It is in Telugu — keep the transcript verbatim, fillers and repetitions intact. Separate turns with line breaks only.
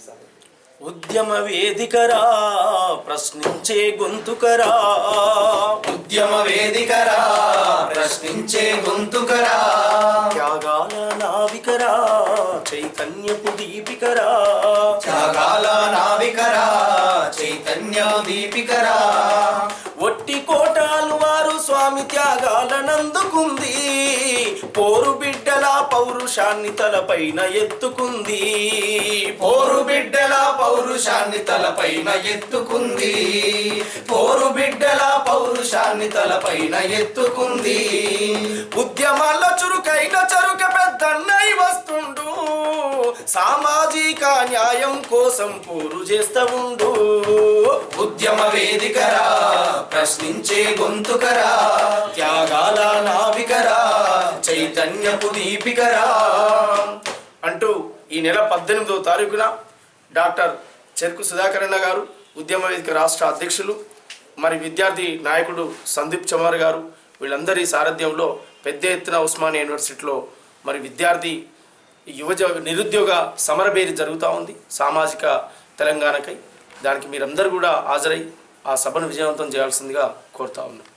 ఉద్యమ వేదికరా ప్రశ్నించే గొంతుకరా
ఉద్యమ వేదికరా ప్రశ్నించే గొంతుకరా
త్యాగాల నావికరా చైతన్యపు దీపికరా
త్యాగాల నావికరా చైతన్య దీపికరా
ఒట్టి కోటాలు వారు స్వామి త్యాగాలనందుకుంది పోరు బిడ్డల పౌరుషాన్ని తలపైన ఎత్తుకుంది
పోరు బిడ్డల పౌరుషాన్ని తలపైన ఎత్తుకుంది పోరు బిడ్డల పౌరుషాన్ని తలపైన ఎత్తుకుంది
ఉద్యమాల్లో చురుకైన చరుక పెద్దన్నై వస్తుండు సామాజిక న్యాయం కోసం పోరు చేస్తా ఉండు
ఉద్యమ వేదికరా ప్రశ్నించే గొంతుకరా
త్యాగాల
నావికరా చైతన్యపు దీపికరా
అంటూ ఈ నెల పద్దెనిమిదవ తారీఖున డాక్టర్ చెరుకు సుధాకరణ గారు ఉద్యమ వేదిక రాష్ట్ర అధ్యక్షులు మరి విద్యార్థి నాయకుడు సందీప్ చమార్ గారు వీళ్ళందరి సారథ్యంలో పెద్ద ఎత్తున ఉస్మానియా యూనివర్సిటీలో మరి విద్యార్థి యువజ నిరుద్యోగ సమరభేరి జరుగుతూ ఉంది సామాజిక తెలంగాణకై. దానికి మీరందరూ కూడా హాజరై ఆ సభను విజయవంతం చేయాల్సిందిగా కోరుతా ఉన్నాం.